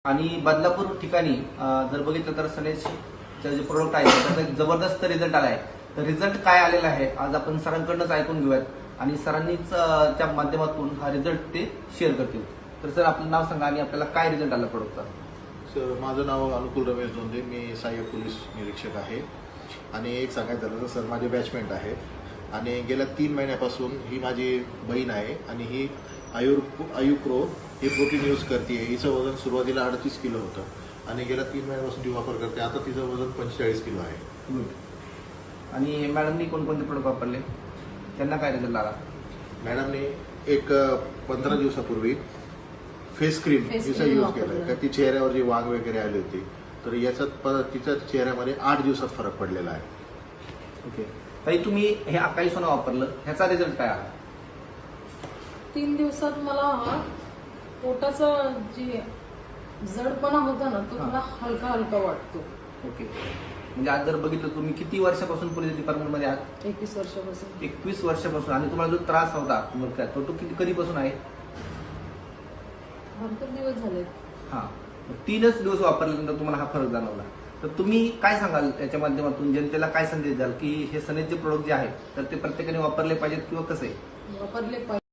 आणि बदलापूर ठिकाणी जर बघितलं तर सनेजचे जे प्रोडक्ट आहे त्याचा एक जबरदस्त रिझल्ट आला आहे. तर रिझल्ट काय आलेला आहे आज आपण सरांकडूनच ऐकून घेऊयात आणि सरांनीच त्या माध्यमातून हा रिझल्ट ते शेअर करतील. तर सर आपलं नाव सांगा आणि आपल्याला काय रिझल्ट आला प्रोडक्टचा. सर माझं नाव अनुकूल रमेश जोंधे, मी सहाय्यक पोलीस निरीक्षक आहे. आणि एक सांगायचं झालं तर सर माझे बॅचमेट आहेत आणि गेल्या 3 महिन्यापासून ही माझी बहीण आहे आणि ही आयुप्रो हे प्रोटीन यूज करते. हिचं वजन सुरुवातीला 38 किलो होतं आणि गेल्या 3 महिन्यापासून ती वापर करते. आता तिचं वजन 45 किलो आहे. आणि मॅडमनी कोणकोणते प्रोडक्ट वापरले, त्यांना काय रिझल्ट आला? मॅडमने एक 15 दिवसापूर्वी फेस क्रीम तिचा यूज केला का ती चेहऱ्यावर जी वाघ वगैरे आली होती तर याच्यात तिच्या चेहऱ्यामध्ये 8 दिवसात फरक पडलेला आहे. ओके ताई, तुम्ही हे अकाई सोना वापरलं, ह्याचा रिझल्ट काय आला? 3 दिवसात मला पोटाचा जे जडपणा होता ना तो थोडा हलका हलका वाटतो. ओके, म्हणजे आज जर बघितलं तुम्ही किती वर्षापासून पोलीस डिपार्टमेंटमध्ये आहात? 21 वर्षापासून. 21 वर्षापासून. आणि तुम्हाला जो त्रास होता मुलगा तो किती कधीपासून आहे? भरपूर दिवस झाले. हा, 3च दिवस वापरल्यानंतर तुम्हाला हा फरक जाणवला. तर तुम्ही काय सांगाल याच्या माध्यमातून जनतेला काय संदेश द्याल की हे सनेजचे प्रोडक्ट जे आहेत तर ते प्रत्येकाने वापरले पाहिजेत किंवा कसं आहे? वापरले पाहिजे.